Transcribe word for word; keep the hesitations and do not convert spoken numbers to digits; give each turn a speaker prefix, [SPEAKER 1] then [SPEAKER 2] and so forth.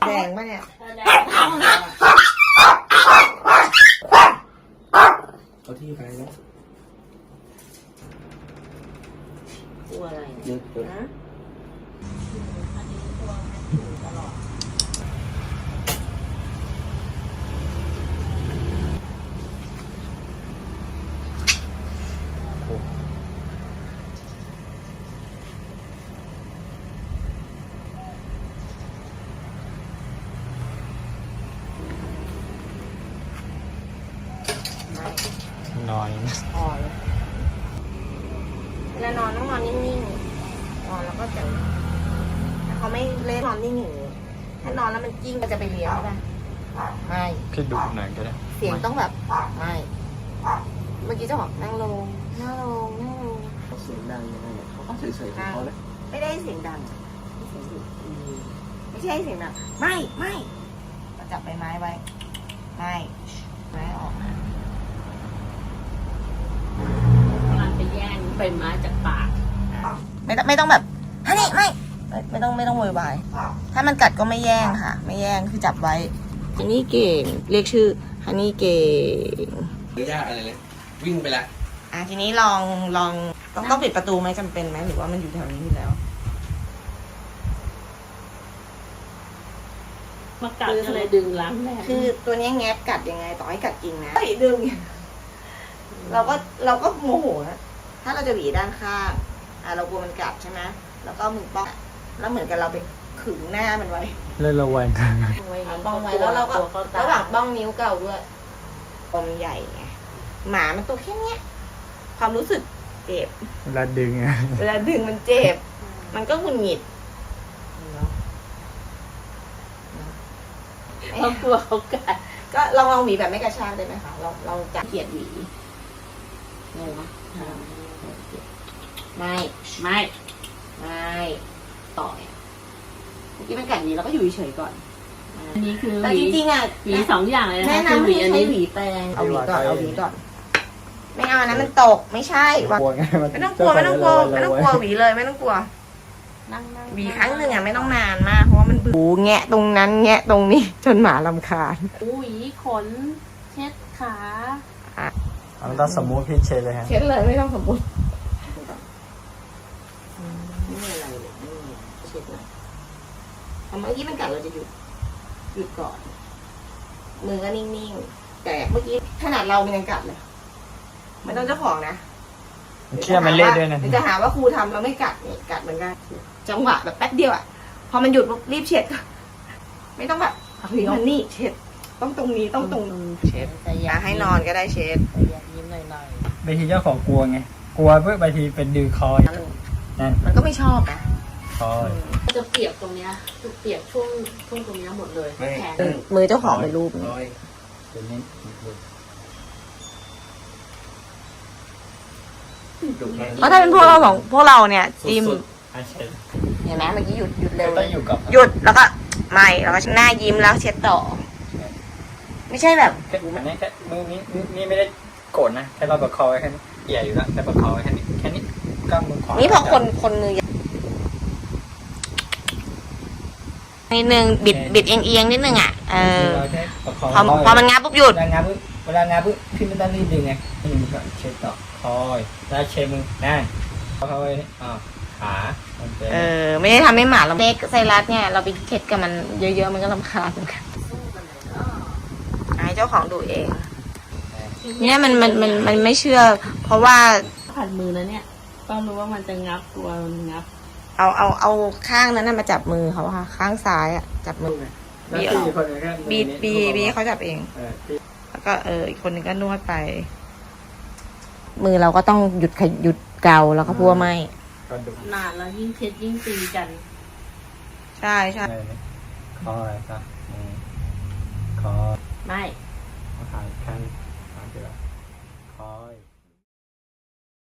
[SPEAKER 1] แดงปะเนี่ย
[SPEAKER 2] เอาที่ไปแล้ว
[SPEAKER 1] กลัวอะไร
[SPEAKER 2] เยอะเยอะ
[SPEAKER 1] นะอันนี้ตัวตลอด
[SPEAKER 2] นอน
[SPEAKER 1] พอเลยเวลานอนต้องนอนนิ่งๆนอนแล้วก็จะแต่เขาไม่เล่นนอนนิ่งอย่างนี้ถ้านอนแล้วมันกิ้งก็จะไปเลี้ยวป่ะไม่
[SPEAKER 2] แค่ดูหนังก็ได้
[SPEAKER 1] เสียงต้องแบบไม่เมื่อกี้เจ้าบอกนั่งลงนั่งลงนั่งลง
[SPEAKER 2] เขาเสียงดังยังไงเขาก็เฉยๆของเขาเลย
[SPEAKER 1] ไม่ได้เสียงดังไม่ใช่เสียงดังไม่ไม่จับใบไม้ไว้ไม่ไม้ออกนะ
[SPEAKER 3] มันไปแย่งใบไม้จากปาก
[SPEAKER 1] ไม่ต้องไม่ต้องแบบฮันนี่ไม่ไม่ต้องไม่ต้องโวยวายถ้ามันกัดก็ไม่แย่งค่ะไม่แย่งคือจับไว้ฮันนี่เก่งเรียกชื่อฮันนี่เก่ง
[SPEAKER 2] ไม่ยากอะไรเลยวิ่งไปละ
[SPEAKER 1] อ่ะทีนี้ลองลองต้องต้องปิดประตูไหมจำเป็นไหมหรือว่ามันอยู่แถวนี้อยู่แล้ว
[SPEAKER 3] มากัดอะไรดึงล้างแน่
[SPEAKER 1] คือตัวนี้แงบกัดยังไงต่อให้กัดจริงนะไม่ดึงเราก็เราก็โมโหนะถ้าเราจะหวีด้านข้างอ่ะเรากลัวมันกัดใช่ไหมแล้วก็มือป้องแล้วเหมือนกับเราไปขึงหน้ามันไว้
[SPEAKER 2] เล่นระแวงกัน
[SPEAKER 1] ป้องไว้แล้วเราก็ระหว่างป้องนิ้วเก่าด้วยปมใหญ่ไงหมามันตัวแค่เนี้ยความรู้สึกเจ็บ
[SPEAKER 2] เวลาดึงไง
[SPEAKER 1] เวลาดึงมันเจ็บมันก็หงุดหงิด
[SPEAKER 3] เขากลัวเขากัด
[SPEAKER 1] ก็ลองลองหวีแบบไม่กระชากได้ไหมคะเราเราจับเกียดหวีไงวะไม่
[SPEAKER 3] ไม่
[SPEAKER 1] ไม่ต่อยเมื่อกี้มันกัดนี้เราก็อยู่เฉยก่อน
[SPEAKER 3] อันนี้คือ
[SPEAKER 1] แต่จริงๆอ่ะ
[SPEAKER 3] หวีสองอย่างเลยนะ
[SPEAKER 1] แนะนำให้ใช้หวีแปรงเอาหวีก่อนเอาหวีก่อนไม่เอานะมันตกไม่ใช่ไม่ต้องกลัวไม่ต้องกลัวไม่ต้องกลัวหวีเลยไม่ต้องกลัวหวีครั้งหนึ่งอ่ะไม่ต้องนานมากเพราะว่ามันบูแงะตรงนั้นแงะตรงนี้จนหมารำคาญ
[SPEAKER 3] หวีขนเช็ดขา
[SPEAKER 2] มันต้องสมมุติพี่เช็ดเลยฮะ
[SPEAKER 1] เช็ดเลยไม่ต้องสมมุติไม่มีอะไรเลยไม่มีเช็ดหน่อยพอเมื่อกี้มันกัดเราจะหยุดหยุดก่อนมือก็นิ่งๆแต่เมื่อกี้ขนาดเรามันยังกัดเลยไม่ต้องเจ้าของนะ
[SPEAKER 2] เชื่อมันเล่นด้วยนะ
[SPEAKER 1] จะหาว่าครูทำเราไม่กัดเนี่ยกัดเหมือนกันจังหวะแบบแป๊บเดียวอ่ะพอมันหยุดปุ๊บรีบเช็ดไม่ต้องแบบเฮ้ยมันนี่เช็ดต้องตรงนี้ต้องตรงเช็ดอย่าให้นอนก็ได้เช็ด
[SPEAKER 3] ยิ้มหน่อย
[SPEAKER 2] ๆบางทีเจ้าของกลัวไงกลัวเพื่อบางทีเป็นดื้อคอนั่น
[SPEAKER 1] มันก็ไม่ชอบนะ
[SPEAKER 2] คอ
[SPEAKER 3] จะเปียกตรงเนี้ยจะเปียกช่วงช่วงตรงเนี้ยหมดเลยแขน
[SPEAKER 1] มือเจ้าของเป็นรูปเพราะถ้าเป็นพวกเราของพวกเราเนี่ยจิ้มเห็นไหมเมื่อกี้หยุดหยุดเร็วหยุดแล้วก็ไม่แล้วก็หน้ายิ้มแล้วเช็ดต่อไม่ใช่แบบ
[SPEAKER 2] อันนี้แค่มือนี้นี่ไม่ได้โกรธนะแค่เราประคองไว้แค่นี้เอี่ยอยู่แล้วแค่ประคองไว้แค่นี้แค่นี้กล้ามมือขวา
[SPEAKER 1] นี่พอคนคนมือนิดนึงบิดบิดเอียงเอียงนิดนึงอ่ะเออพอพอมันงับปุ๊บหยุด
[SPEAKER 2] เวลางับปุ๊บเวลางับปุ๊บพี่ไม่ต้องรีบดึงไงนี่มันก็เช็ดต่อคอยแล้วเช็ดมือนั่นเขาไว้นี่อ่าขา
[SPEAKER 1] เออไม่ได้ทำให้หมาเราเด็กไซรัสเนี่ยเราไปเช็ดกับมันเยอะๆมันก็รำคาญเหมือนกันให้เจ้าของดูเองเนี่ยมันมันมันมันไม่เชื่อเพราะว่า
[SPEAKER 3] ผัดมือนะเนี่ยก็รู้ว่ามันจะงับตัวมันงับ
[SPEAKER 1] เอาเอาเอาข้างนั้นมาจับมือเขาค่ะข้างซ้ายอ่ะจับมือบีบีบีบีเขาจับเองแล้วก็เอออีกคนนึงก็นวดไปมือเราก็ต้องหยุดหยุดเกาแล้วก็พัวไม่
[SPEAKER 3] นานแล้วยิ่งเช็ดยิ่งตีกัน
[SPEAKER 1] ใช่ใช่
[SPEAKER 2] คออะไรครับคอ
[SPEAKER 3] ไม่
[SPEAKER 2] ขาแขน